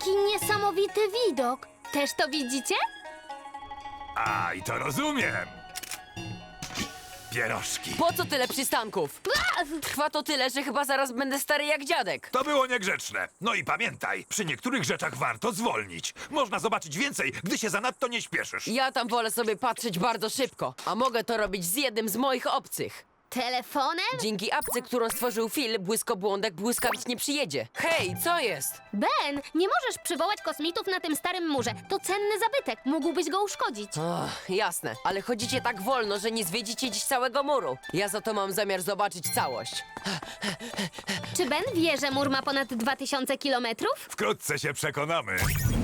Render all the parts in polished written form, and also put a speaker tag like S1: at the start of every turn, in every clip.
S1: Jaki niesamowity widok! Też to widzicie?
S2: A, i to rozumiem. Pierożki.
S3: Po co tyle przystanków? Trwa to tyle, że chyba zaraz będę stary jak dziadek.
S2: To było niegrzeczne. No i pamiętaj, przy niektórych rzeczach warto zwolnić. Można zobaczyć więcej, gdy się zanadto nie śpieszysz.
S3: Ja tam wolę sobie patrzeć bardzo szybko, a mogę to robić z jednym z moich obcych.
S1: Telefonem?
S3: Dzięki apce, którą stworzył Phil, błyskobłądek błyskawicznie przyjedzie. Hej, co jest?
S1: Ben, nie możesz przywołać kosmitów na tym starym murze. To cenny zabytek. Mógłbyś go uszkodzić.
S3: Jasne, ale chodzicie tak wolno, że nie zwiedzicie dziś całego muru. Ja za to mam zamiar zobaczyć całość.
S1: Czy Ben wie, że mur ma ponad 2000 kilometrów?
S2: Wkrótce się przekonamy.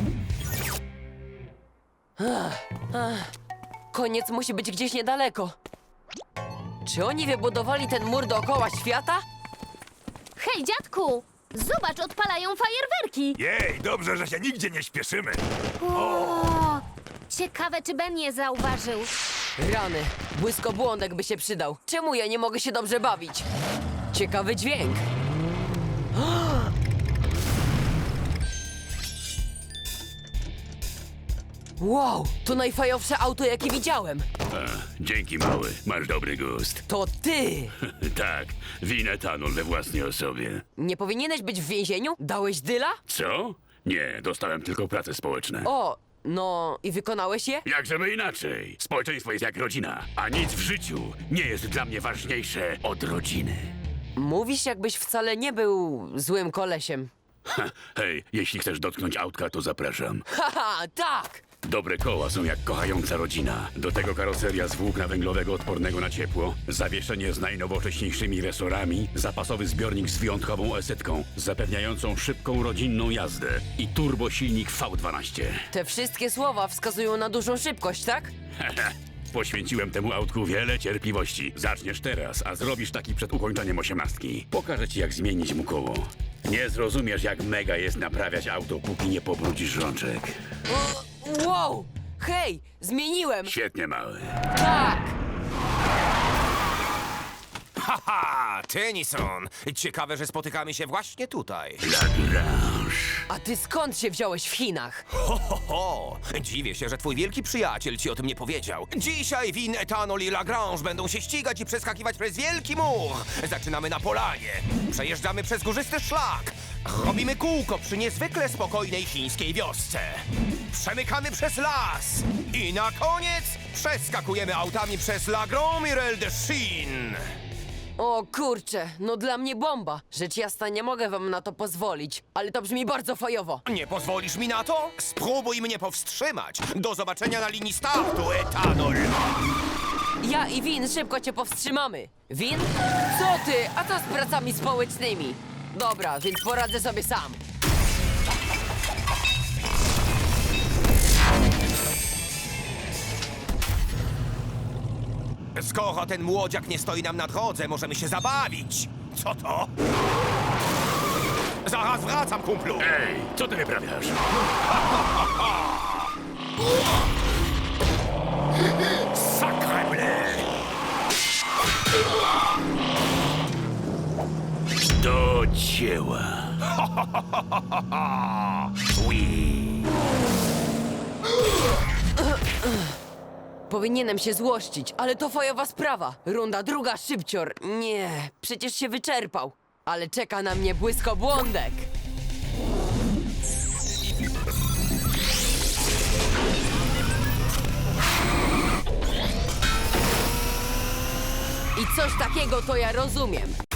S3: Koniec musi być gdzieś niedaleko. Czy oni wybudowali ten mur dookoła świata?
S1: Hej, dziadku! Zobacz, odpalają fajerwerki!
S2: Jej, dobrze, że się nigdzie nie śpieszymy.
S1: O! Ciekawe, czy Ben je zauważył.
S3: Rany, błyskobłądek by się przydał. Czemu ja nie mogę się dobrze bawić? Ciekawy dźwięk. Wow, to najfajowsze auto, jakie widziałem.
S4: Dzięki, mały. Masz dobry gust.
S3: To ty!
S4: Tak, winę etanol we własnej osobie.
S3: Nie powinieneś być w więzieniu? Dałeś dyla?
S4: Co? Nie, dostałem tylko prace społeczne.
S3: O, no i wykonałeś je?
S4: Jak żeby inaczej. Społeczeństwo jest jak rodzina, a nic w życiu nie jest dla mnie ważniejsze od rodziny.
S3: Mówisz, jakbyś wcale nie był złym kolesiem.
S4: Ha, hej, jeśli chcesz dotknąć autka, to zapraszam.
S3: Haha, tak!
S4: Dobre koła są jak kochająca rodzina. Do tego karoseria z włókna węglowego odpornego na ciepło, zawieszenie z najnowocześniejszymi resorami, zapasowy zbiornik z wyjątkową esetką, zapewniającą szybką, rodzinną jazdę i turbosilnik V12.
S3: Te wszystkie słowa wskazują na dużą szybkość, tak?
S4: Poświęciłem temu autku wiele cierpliwości. Zaczniesz teraz, a zrobisz taki przed ukończeniem 18. Pokażę ci, jak zmienić mu koło. Nie zrozumiesz, jak mega jest naprawiać auto, póki nie pobrudzisz rączek.
S3: Wow! Hej, zmieniłem!
S4: Świetnie, mały.
S3: Tak!
S5: Haha, Tennyson! Ciekawe, że spotykamy się właśnie tutaj.
S4: Lagrange.
S3: A ty skąd się wziąłeś w Chinach?
S5: Ho! Dziwię się, że twój wielki przyjaciel ci o tym nie powiedział. Dzisiaj Win, Etanol i Lagrange będą się ścigać i przeskakiwać przez wielki mur. Zaczynamy na polanie. Przejeżdżamy przez górzysty szlak. Robimy kółko przy niezwykle spokojnej chińskiej wiosce. Przemykamy przez las. I na koniec przeskakujemy autami przez La Grande Muraille de Chine.
S3: O kurczę, no dla mnie bomba. Rzecz jasna, nie mogę wam na to pozwolić, ale to brzmi bardzo fajowo.
S5: Nie pozwolisz mi na to? Spróbuj mnie powstrzymać. Do zobaczenia na linii startu, Etanol.
S3: Ja i Win szybko cię powstrzymamy. Win? Co ty? A co z pracami społecznymi? Dobra, więc poradzę sobie sam.
S5: Skoro ten młodziak nie stoi nam na drodze, możemy się zabawić. Co to? Zaraz wracam, kumplu.
S4: Ej, co ty wyprawiasz?
S5: Sacre bleu!
S4: Do dzieła.
S5: Oui.
S3: Powinienem się złościć, ale to fajowa sprawa. Runda druga, szybcior. Nie, przecież się wyczerpał. Ale czeka na mnie błyskobłądek. I coś takiego to ja rozumiem.